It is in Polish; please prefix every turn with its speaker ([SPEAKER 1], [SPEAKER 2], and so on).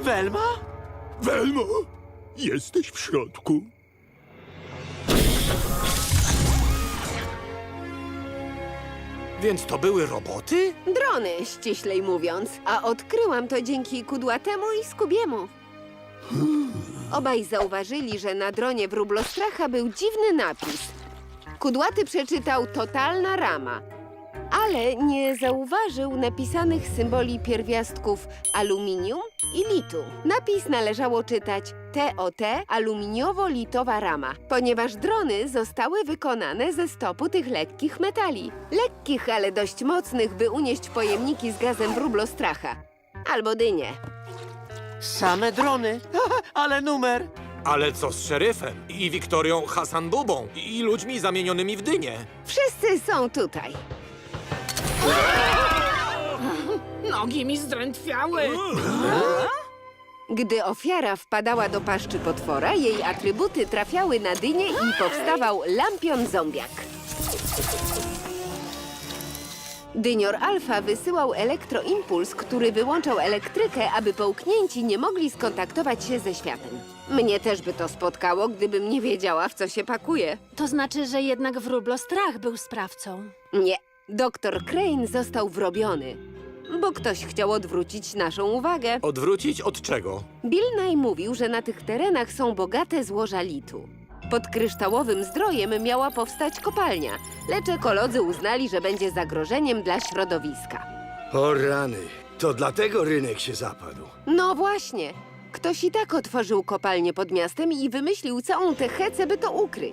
[SPEAKER 1] Welma?
[SPEAKER 2] Welmo, jesteś w środku.
[SPEAKER 1] Więc to były roboty?
[SPEAKER 3] Drony, ściślej mówiąc. A odkryłam to dzięki Kudłatemu i Skubiemu. Obaj zauważyli, że na dronie wróblostracha był dziwny napis. Kudłaty przeczytał totalna rama, ale nie zauważył napisanych symboli pierwiastków aluminium i litu. Napis należało czytać TOT aluminiowo-litowa rama, ponieważ drony zostały wykonane ze stopu tych lekkich metali. Lekkich, ale dość mocnych, by unieść pojemniki z gazem wróblostracha. Albo dynie.
[SPEAKER 1] Same drony. Ale numer.
[SPEAKER 4] Ale co z szeryfem i Wiktorią Hasan-Bubą i ludźmi zamienionymi w dynie?
[SPEAKER 3] Wszyscy są tutaj.
[SPEAKER 5] Nogi mi zdrętwiały.
[SPEAKER 3] Gdy ofiara wpadała do paszczy potwora, jej atrybuty trafiały na dynię i powstawał lampion zombiak. Dynior Alfa wysyłał elektroimpuls, który wyłączał elektrykę, aby połknięci nie mogli skontaktować się ze światem. Mnie też by to spotkało, gdybym nie wiedziała, w co się pakuje.
[SPEAKER 6] To znaczy, że jednak wróblostrach był sprawcą.
[SPEAKER 3] Nie, doktor Crane został wrobiony, bo ktoś chciał odwrócić naszą uwagę.
[SPEAKER 4] Odwrócić od czego?
[SPEAKER 3] Bill Nye mówił, że na tych terenach są bogate złoża litu. Pod kryształowym zdrojem miała powstać kopalnia, lecz ekolodzy uznali, że będzie zagrożeniem dla środowiska.
[SPEAKER 2] O rany, to dlatego rynek się zapadł.
[SPEAKER 3] No właśnie. Ktoś i tak otworzył kopalnię pod miastem i wymyślił całą tę hecę, by to ukryć.